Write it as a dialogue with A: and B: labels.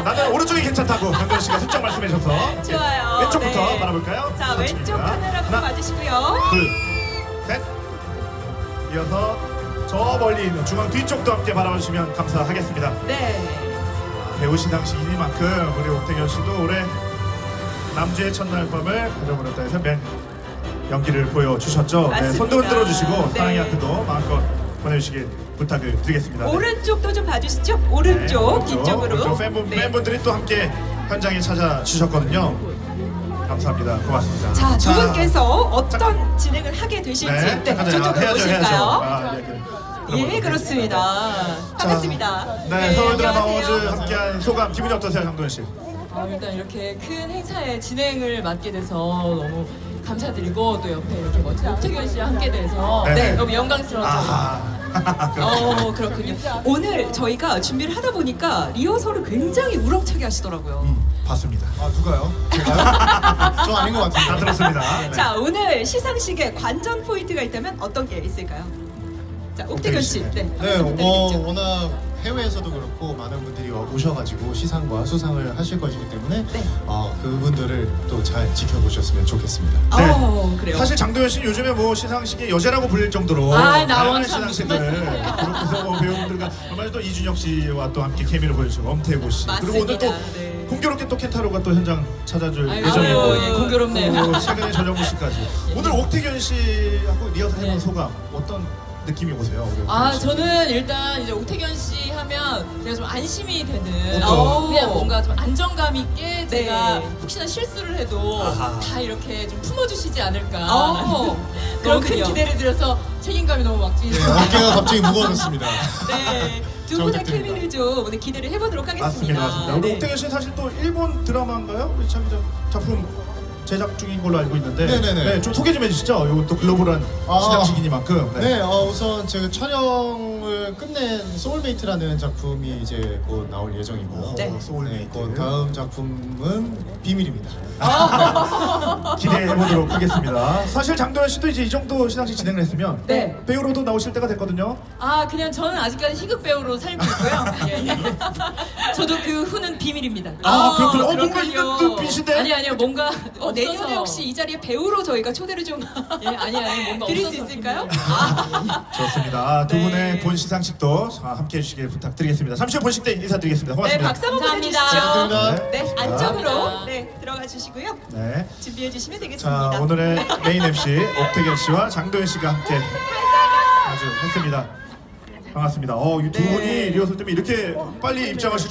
A: 나는 오른쪽이 괜찮다고 강도현 씨가 슬쩍 말씀해 주셔서
B: 좋아요.
A: 왼쪽부터
B: 네.
A: 바라볼까요?
B: 자, 왼쪽 카메라부터
A: 하나,
B: 봐주시고요.
A: 둘, 셋. 이어서 저 멀리 있는 중앙 뒤쪽도 함께 바라보시면 감사하겠습니다.
B: 네.
A: 배우 시상식이니만큼 우리 옥태견 씨도 올해 남주의 첫날 밤을 가져버렸다 해서 연기를 보여주셨죠. 네,
B: 맞습니다.
A: 손도 흔들어 주시고
B: 네.
A: 사랑의 하트도 마음껏 보내주시길 부탁을 드리겠습니다. 네.
B: 오른쪽도 좀 봐주시죠. 오른쪽, 뒤쪽으로.
A: 오른쪽
B: 네.
A: 팬분들이 또 함께 현장에 찾아주셨거든요. 감사합니다. 고맙습니다.
B: 자, 두 분께서 어떤 진행을 하게 되실지
A: 네, 잠깐
B: 저쪽으로
A: 해야죠.
B: 보실까요?
A: 아,
B: 예, 그렇습니다. 반갑습니다.
A: 네, 서울 드라마
B: 안녕하세요.
A: 어워즈 함께한 소감 기분이 어떠세요, 강도현 씨?
C: 일단 이렇게 큰 행사의 진행을 맡게 돼서 너무 감사드리고 또 옆에 이렇게 멋진 옥태견 씨와 함께 돼서
A: 네.
C: 너무 영광스러웠어요.
B: 그렇군요. 오늘 저희가 준비를 하다 보니까 리허설을 굉장히 우렁차게 하시더라고요.
A: 봤습니다.
D: 아 누가요? 제가요? 저 아닌 것
A: 다
D: 같은데.
A: 들었습니다. 네.
B: 자, 오늘 시상식에 관전 포인트가 있다면 어떤 게 있을까요? 자, 옥태견 씨. 네,
D: 네,
B: 한번 부탁드리죠.
D: 워낙 해외에서도 그렇고 많은 분들이 오셔가지고 시상과 수상을 하실 것이기 때문에
B: 네.
D: 그분들을 또 잘 지켜보셨으면 좋겠습니다.
B: 그래요.
A: 사실 장도연 씨는 요즘에 뭐 시상식의 여제라고 불릴 정도로
C: 아, 나온
A: 다양한
C: 참 무슨
A: 시상식을
C: 말씀이세요.
A: 그렇게 해서 뭐 배우분들과 얼마 전에 또 이준혁 씨와 또 함께 케미를 보여주고 엄태고 씨 그리고 오늘 또
B: 맞습니다. 네.
A: 공교롭게 또 켄타로가 또 현장 찾아줄
C: 아이고,
A: 예정이고
C: 예, 공교롭네요.
A: 또 최근에 전영무 씨까지 오늘 옥태견 씨하고 리허설 해본
C: 네.
A: 소감 어떤 느낌이 오세요? 우리 옥태견 씨?
C: 저는 일단 이제 옥태견 씨 하면 제가 좀 안심이 되는
A: 어떤?
C: 그냥 뭔가 좀 안정감 있게 제가
B: 네.
C: 혹시나 실수를 해도
A: 아하.
C: 다 이렇게 좀 품어주시지 않을까
B: 어,
C: 그런 큰
B: 그렇군요.
C: 기대를 들어서 책임감이 너무 막
D: 네,
C: 찌는
D: 어깨가 갑자기 무거워졌습니다.
B: 네, 두
D: 잘
B: 분의
D: 부탁드립니다.
B: 케미를 좀 오늘 기대를 해보도록 하겠습니다.
A: 맞습니다, 맞습니다. 우리
B: 네.
A: 옥태견 씨는 사실 또 일본 드라마인가요? 우리 참 작품 제작 중인 걸로 알고 있는데
D: 네네네.
A: 네, 좀 소개 좀 해주시죠. 이건 또 글로벌한 시상식이니만큼
D: 네, 우선 제가 촬영을 끝낸 소울메이트라는 작품이 이제 곧 나올 예정이고요.
B: 네.
A: 소울메이트.
D: 곧 다음 작품은 비밀입니다.
A: 기대해 보도록 하겠습니다. 사실 장도연 씨도 이제 이 정도 시상식 진행을 했으면
C: 네.
A: 배우로도 나오실 때가 됐거든요.
C: 그냥 저는 아직까지 희극 배우로 살고 있고요. 예, 예.
B: 저도 그 후는 비밀입니다.
A: 그렇군요. 뭔가
C: 그렇군요.
A: 있는 듯빛인데.
C: 아니요, 뭔가
B: 내년에
C: 없어서.
B: 혹시 이 자리에 배우로 저희가 초대를 좀
C: 아니 뭔가
B: 드릴 수
C: 없어서
B: 있을까요?
A: 좋습니다. 두
B: 네.
A: 분의 본 시상식도 함께 해주시길 부탁드리겠습니다. 잠시 후 본식 때 인사드리겠습니다.
B: 네,
A: 고맙습니다.
B: 박수 한번
C: 감사합니다.
B: 보내주시죠.
D: 감사합니다.
B: 네,
A: 자.
B: 안쪽으로
C: 감사합니다.
B: 네 들어가 주시고요.
A: 네.
B: 준비해 주시면 되겠습니다.
A: 자, 오늘의 메인 MC 옥태견 씨와 장도연 씨가 함께 아주 했습니다. 반갑습니다. 이 두
B: 네.
A: 분이 리허설 때문에 이렇게 빨리 입장하실